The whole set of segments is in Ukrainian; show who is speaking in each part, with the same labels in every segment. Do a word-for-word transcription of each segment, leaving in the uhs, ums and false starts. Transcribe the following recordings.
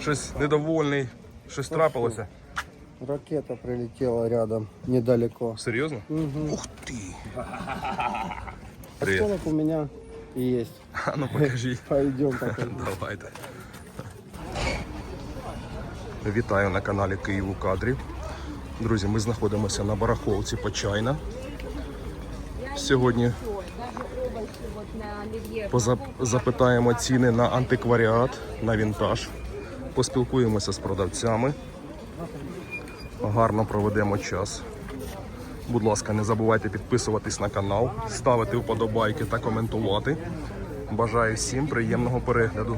Speaker 1: Щось недовольний, щось трапилося.
Speaker 2: Ракета прилетела рядом, недалеко.
Speaker 1: Серйозно?
Speaker 2: Угу.
Speaker 1: Ух ти! Привіт.
Speaker 2: Осколок у меня есть.
Speaker 1: А ну покажіть.
Speaker 2: Пойдем покажем.
Speaker 1: Давайте. Вітаю на каналі Київ у кадрі. Друзі, ми знаходимося на барахолці Почайна. Сьогодні запитаємо ціни на антикваріат, на вінтаж. Поспілкуємося з продавцями. Гарно проведемо час. Будь ласка, не забувайте підписуватись на канал, ставити вподобайки та коментувати. Бажаю всім приємного перегляду.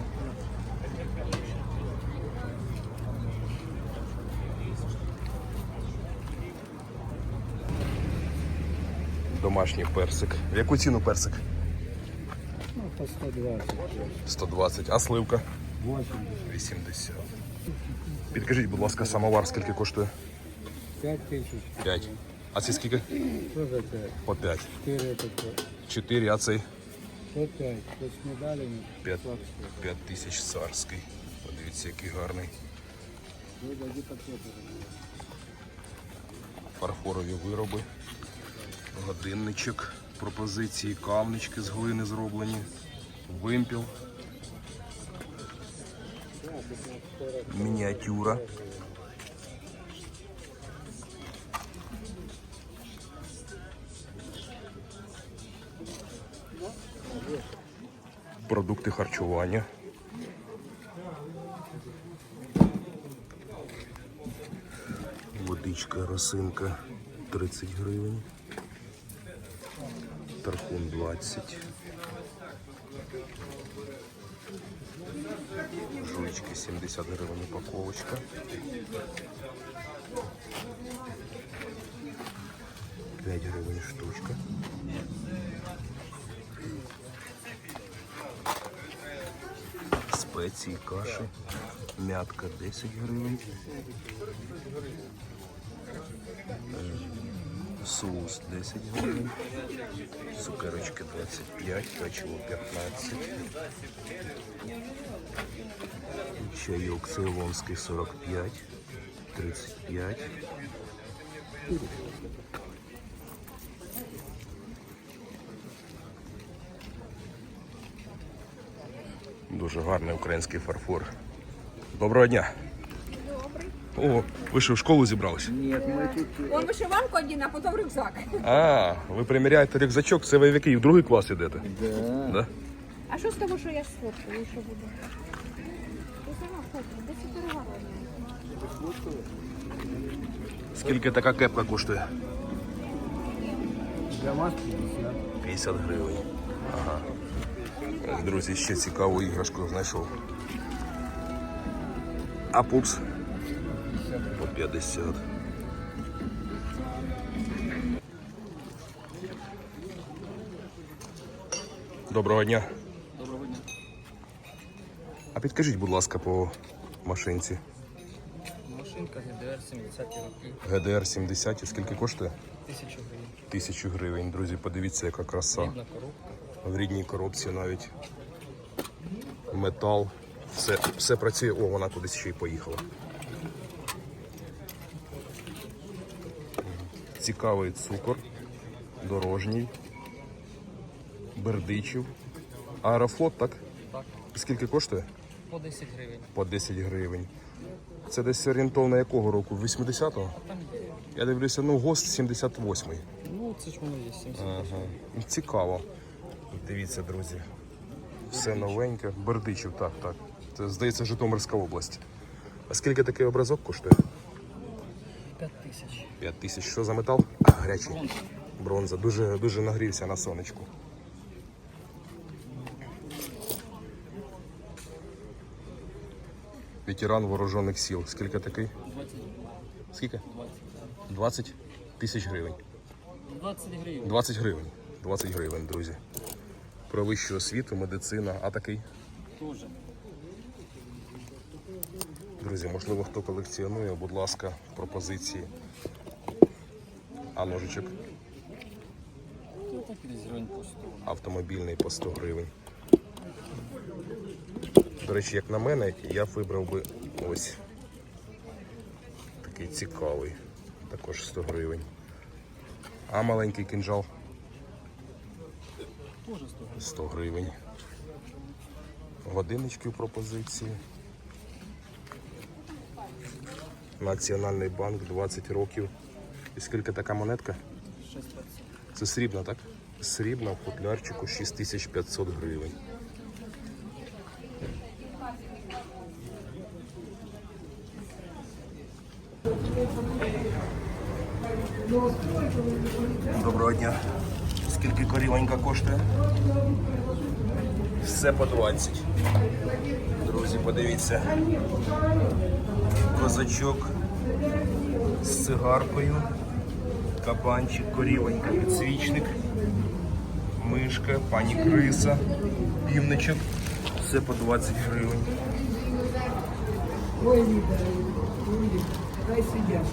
Speaker 1: Домашній персик. В яку ціну персик?
Speaker 2: Ну, по сто двадцать.
Speaker 1: сто двадцять. А сливка?
Speaker 2: восемьдесят.
Speaker 1: вісімдесят. Підкажіть, будь ласка, самовар скільки коштує?
Speaker 2: пять тысяч.
Speaker 1: п'ять. А це скільки?
Speaker 2: Что за пять?
Speaker 1: По п'ять.
Speaker 2: четыре это что?
Speaker 1: чотири, а цей?
Speaker 2: Что пять? То с медалями?
Speaker 1: п'ять. п'ять тисяч царський. Подивіться, який гарний.
Speaker 2: Вы дадите пакеты.
Speaker 1: Фарфорові вироби. Годинничок. Пропозиції, кавнички з глини зроблені. Вимпіл. Мініатюра. Продукти харчування. Водичка, росинка тридцять гривень. Тархун двадцять. Жуйчки сімдесят гривень упаковочка. п'ять гривень штучка. Спеції, каші. Мятка десять гривень. Соус десять гривень. Цукерочки двадцять п'ять, печиво п'ятнадцять. Чайок цейлонський сорок п'ять, тридцять п'ять. Дуже гарний український фарфор. Доброго дня.
Speaker 3: Добрий.
Speaker 1: О, ви що, в школу зібралися?
Speaker 2: Нет, мы тут...
Speaker 3: Он вишиванку один, а потім рюкзак.
Speaker 1: А, ви приміряєте рюкзачок, це ви в який? В другий клас ідете?
Speaker 2: Да.
Speaker 1: Да?
Speaker 3: А що з того, що я сфоткаю, що буде? Ти сама фоткай, де це перегарування?
Speaker 1: Скільки така кепка коштує?
Speaker 2: Для вас пятьдесят.
Speaker 1: п'ятдесят гривень. Ага. Друзі, ще цікаву іграшку знайшов. А пупс? По п'ятдесят. Доброго дня.
Speaker 4: Доброго дня.
Speaker 1: А підкажіть, будь ласка, по машинці.
Speaker 4: Машинка Г Д Р сімдесят роки,
Speaker 1: Г Д Р сімдесят, скільки коштує?
Speaker 4: тисячу гривень.
Speaker 1: Тисячу гривень. Друзі, подивіться, яка краса.
Speaker 4: Рідна коробка.
Speaker 1: В рідній коробці навіть. Метал. Все, все працює. О, вона кудись ще й поїхала. Цікавий цукор. Дорожній. Бердичів. Аерофлот, так?
Speaker 4: Так,
Speaker 1: Скільки коштує?
Speaker 4: по десять гривень.
Speaker 1: По десять гривень. Це десь орієнтовно якого року? вісімдесятого?
Speaker 4: Там є.
Speaker 1: Я дивлюся, ну, ГОСТ сімдесят восьмий.
Speaker 4: Ну, це ж воно є сімдесят.
Speaker 1: Ага. Цікаво. Дивіться, друзі. Все новеньке. Бердичів, так, так. Це, здається, Житомирська область. А скільки такий образок коштує?
Speaker 4: п'ять тисяч.
Speaker 1: п'ять тисяч. Що за метал? А, гарячий. Бронза. Дуже, дуже нагрівся на сонечку. Ветеран вооружених сил. Скільки такий?
Speaker 4: двадцять.
Speaker 1: Скільки?
Speaker 4: двадцять.
Speaker 1: двадцять тисяч гривень.
Speaker 4: двадцять гривень.
Speaker 1: двадцять гривень. двадцять гривень, друзі. Про вищу освіту, медицина. А такий?
Speaker 4: Тоже.
Speaker 1: Друзі, можливо, хто колекціонує, будь ласка, пропозиції. А ножичок?
Speaker 4: Ну, так і десь гривень по сто.
Speaker 1: Автомобільний по сто гривень. До речі, як на мене, я б вибрав би Ось. Такий цікавий. Також сто гривень. А маленький кинжал?
Speaker 4: Теж сто.
Speaker 1: сто гривень. Годиннички в пропозиції. Національний банк, двадцять років. І скільки така монетка?
Speaker 4: шість двадцять.
Speaker 1: Це срібна, так? Срібна в футлярчику шість тисяч п'ятсот гривень. Доброго дня. Скільки корівонька коштує? Все по двадцять. Друзі, подивіться. Козачок з цигаркою. Кабанчик, корівонька, підсвічник, мишка, пані криса, півничок. Все по двадцять гривень.
Speaker 5: Ой, Лида, дай сидят.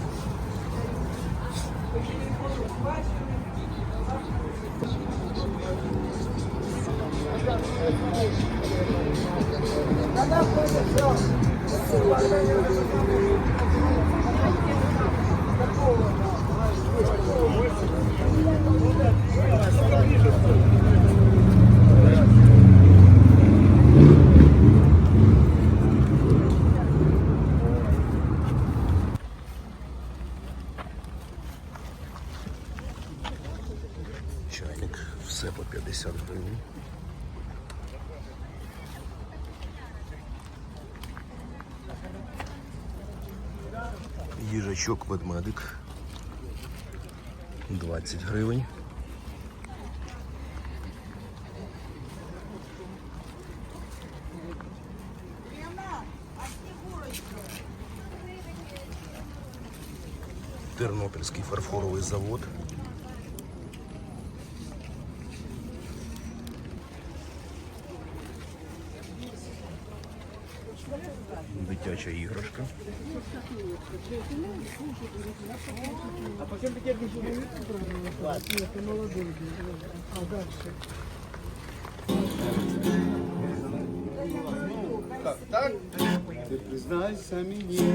Speaker 1: Чайник, все по п'ятдесят гривень. Їжачок ведмедик. двадцять гривень. Тернопільський фарфоровий завод. Дитяча іграшка.
Speaker 2: Ты признайся мне,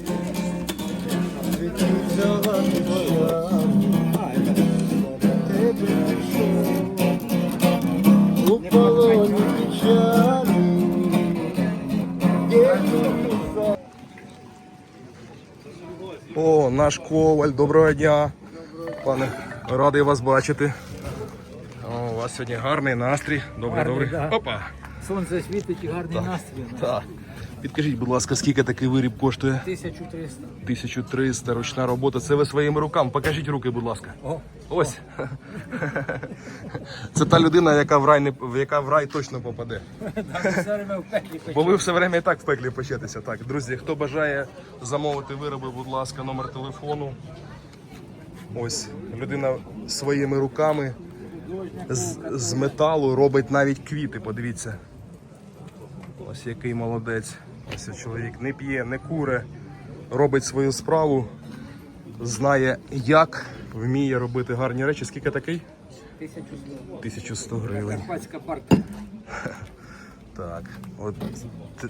Speaker 2: ведь ты взяла тебя, тебе пришел, у полоне печали, где
Speaker 1: О, наш коваль, доброго дня. Пане, радий вас бачити. О, у вас сьогодні гарний настрій. Добре,
Speaker 6: Гарний,
Speaker 1: добре.
Speaker 6: да.
Speaker 1: Опа.
Speaker 6: Сонце світить і гарний настрій.
Speaker 1: Так. Підкажіть, будь ласка, скільки такий виріб коштує?
Speaker 6: тисяча триста.
Speaker 1: тисяча триста, ручна робота. Це ви своїми руками. Покажіть руки, будь ласка.
Speaker 6: О,
Speaker 1: Ось. Це та людина, яка в рай не яка в рай точно попаде.
Speaker 6: там все время в пеклі
Speaker 1: Бо ви все время і так в пеклі печетеся. Так, друзі, хто бажає замовити вироби, будь ласка, номер телефону. Ось людина своїми руками з, з металу робить навіть квіти. Подивіться. Ось який молодець. Ось чоловік не п'є, не куре, робить свою справу, знає як, вміє робити гарні речі. Скільки такий?
Speaker 6: тисячу сто.
Speaker 1: тисяча сто гривень.
Speaker 6: Карпатська парка.
Speaker 1: Так, от т-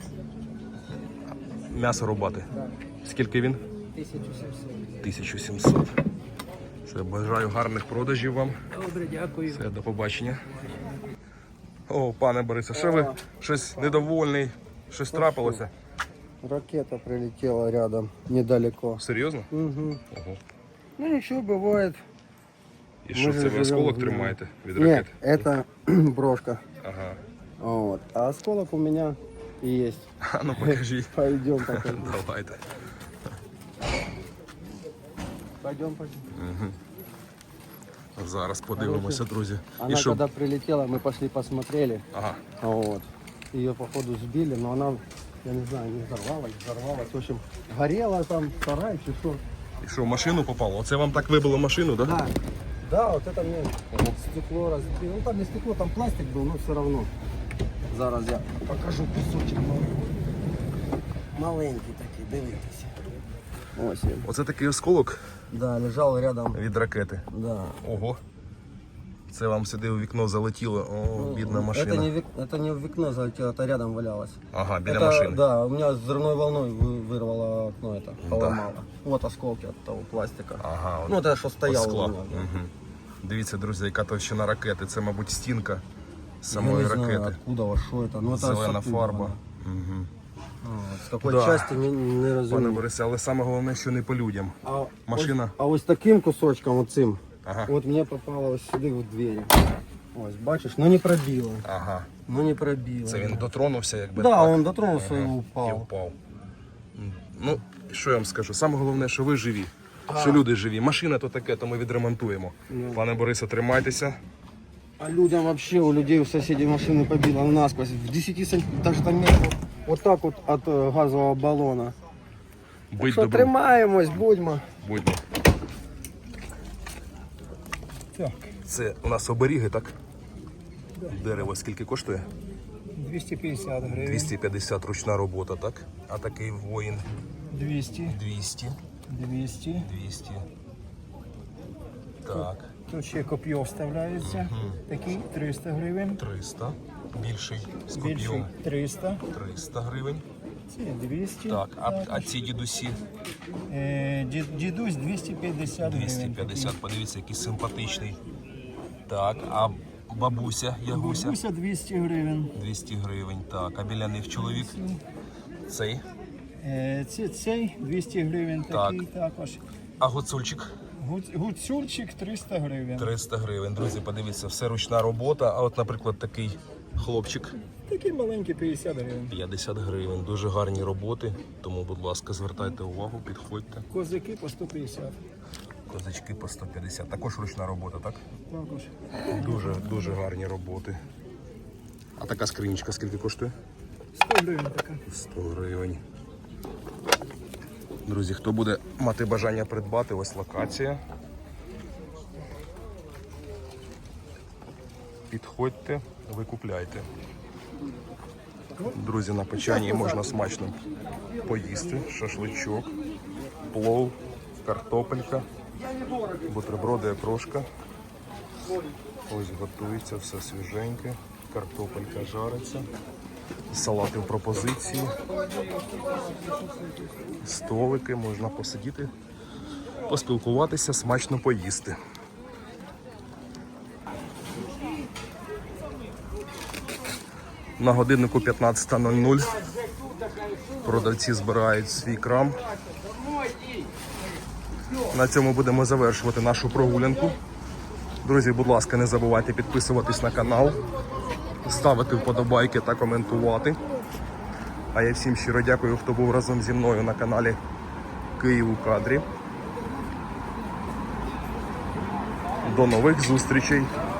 Speaker 1: м'ясо рубати. Скільки він?
Speaker 6: тисяча сімсот.
Speaker 1: тисяча сімсот. Все, бажаю гарних продажів вам.
Speaker 6: Добре, дякую.
Speaker 1: Все, до побачення. О, пане Борисе, що ви щось недовольний? Щось трапилося?
Speaker 2: Ракета прилетела рядом, недалеко.
Speaker 1: Серйозно?
Speaker 2: Угу.
Speaker 1: Ого.
Speaker 2: Ну ничего, бывает.
Speaker 1: І що
Speaker 2: Ми
Speaker 1: це
Speaker 2: же
Speaker 1: ви осколок
Speaker 2: живемо,
Speaker 1: тримаєте від
Speaker 2: Нет,
Speaker 1: ракети?
Speaker 2: это брошка.
Speaker 1: Ага.
Speaker 2: Вот. А осколок у меня есть.
Speaker 1: А ну покажіть.
Speaker 2: Пойдем покажем.
Speaker 1: Давайте.
Speaker 2: Пойдем, пойдем.
Speaker 1: Зараз подивимося, друзі.
Speaker 2: Она
Speaker 1: І що?
Speaker 2: когда прилетела, мы пошли посмотрели.
Speaker 1: Ага.
Speaker 2: Вот. Ее походу сбили, но она, я не знаю, не взорвалась, взорвалась. В общем, горела там сарай, чи что.
Speaker 1: І що, в машину попало? Оце вам так вибило машину, так? Да?
Speaker 2: Да. Да, вот это мне стекло разбило. Ну там не стекло, там пластик был, но все равно. Зараз я покажу кусочек маленький. Маленький такий, дивитися. Ось він.
Speaker 1: Оце такий осколок
Speaker 2: Да, лежав рядом.
Speaker 1: від ракети.
Speaker 2: Да.
Speaker 1: Ого. Це вам сюди у вікно залетіло. О, бідна машина.
Speaker 2: Это не, в, вик- это не в окно залетело, это рядом валялось.
Speaker 1: Ага, біля
Speaker 2: Это,
Speaker 1: машини.
Speaker 2: да, у меня взрывной волной вы- вырвало окно это, поломало. Вот осколки от того пластика.
Speaker 1: Ага, от
Speaker 2: Ну, это что
Speaker 1: от
Speaker 2: стояло
Speaker 1: скла.
Speaker 2: у меня. да.
Speaker 1: Угу. Дивіться, друзі, яка товщина ракети. Це, мабуть, стінка
Speaker 2: Я
Speaker 1: самої
Speaker 2: не знаю,
Speaker 1: ракети.
Speaker 2: откуда, во что это. Ну, это
Speaker 1: Зелена
Speaker 2: оттуда
Speaker 1: фарба.
Speaker 2: воно.
Speaker 1: Угу.
Speaker 2: А, З какой
Speaker 1: Да.
Speaker 2: части не, не
Speaker 1: Пане
Speaker 2: розумію.
Speaker 1: Борисе, але саме головне, що не по людям.
Speaker 2: А
Speaker 1: Машина.
Speaker 2: Ось, а ось таким кусочком, оцим,
Speaker 1: Ага.
Speaker 2: от мені попало ось сюди в двері. Ось, бачиш, ну не пробило.
Speaker 1: Ага.
Speaker 2: Ну не пробило.
Speaker 1: Це він дотронувся, якби.
Speaker 2: Да,
Speaker 1: так.
Speaker 2: він дотронувся і
Speaker 1: І
Speaker 2: упав.
Speaker 1: впав. М, Ну, що я вам скажу? Саме головне, що ви живі. Що люди живі. Машина то таке, то ми відремонтуємо. Пане Борисе, тримайтеся.
Speaker 2: А людям вообще, у людей, у соседей машины побило насквозь. В десяти сантиметрах, даже там метров, вот так вот от э, газового баллона.
Speaker 1: Будь
Speaker 2: Що,
Speaker 1: добрим.
Speaker 2: тримаємось, будьмо.
Speaker 1: Будьмо. Це у нас оберіги, так? Дерево скільки коштує?
Speaker 6: двісті п'ятдесят гривень.
Speaker 1: двісті п'ятдесят ручна робота, так? А такий воїн
Speaker 6: двісті.
Speaker 1: двісті.
Speaker 6: двісті.
Speaker 1: двісті. Так,
Speaker 6: Тут ще коп'є вставляється. Такий триста гривень.
Speaker 1: триста. Більший з
Speaker 6: Більший
Speaker 1: коп'єм.
Speaker 6: триста.
Speaker 1: триста гривень.
Speaker 6: Це двісті.
Speaker 1: Так, а, а ці дідусі
Speaker 6: Е, ді- Дідусь двісті п'ятдесят
Speaker 1: двісті
Speaker 6: гривень.
Speaker 1: п'ятдесят. Подивіться, який симпатичний. Так, а бабуся, ягуся
Speaker 6: Бабуся двісті гривень.
Speaker 1: двісті гривень. Так, а біля них чоловік цей.
Speaker 6: Е, Це, цей двісті гривень такий також.
Speaker 1: А гуцульчик
Speaker 6: Гуц- Гуцульчик триста гривень.
Speaker 1: триста гривень. Друзі, подивіться, все ручна робота. А от, наприклад, такий хлопчик
Speaker 6: Такий маленький п'ятдесят гривень.
Speaker 1: п'ятдесят гривень. Дуже гарні роботи. Тому, будь ласка, звертайте увагу, підходьте.
Speaker 6: Козаки по сто п'ятдесят.
Speaker 1: Козачки по сто п'ятдесят. Також ручна робота, так?
Speaker 6: Також.
Speaker 1: Дуже, дуже гарні роботи. А така скринічка скільки коштує?
Speaker 6: сто гривень така.
Speaker 1: сто гривень. Друзі, хто буде мати бажання придбати, ось локація. Підходьте, викупляйте. Друзі, на печані можна смачно поїсти. Шашличок, плов, картопелька, бутерброди, окрошка. Ось готується, все свіженьке. Картопелька жариться. Салати в пропозиції. Столики, можна посидіти, поспілкуватися, смачно поїсти. На годиннику п'ятнадцята нуль нуль продавці збирають свій крам. На цьому будемо завершувати нашу прогулянку. Друзі, будь ласка, не забувайте підписуватись на канал, ставити вподобайки та коментувати. А я всім щиро дякую, хто був разом зі мною на каналі Київ у кадрі. До нових зустрічей!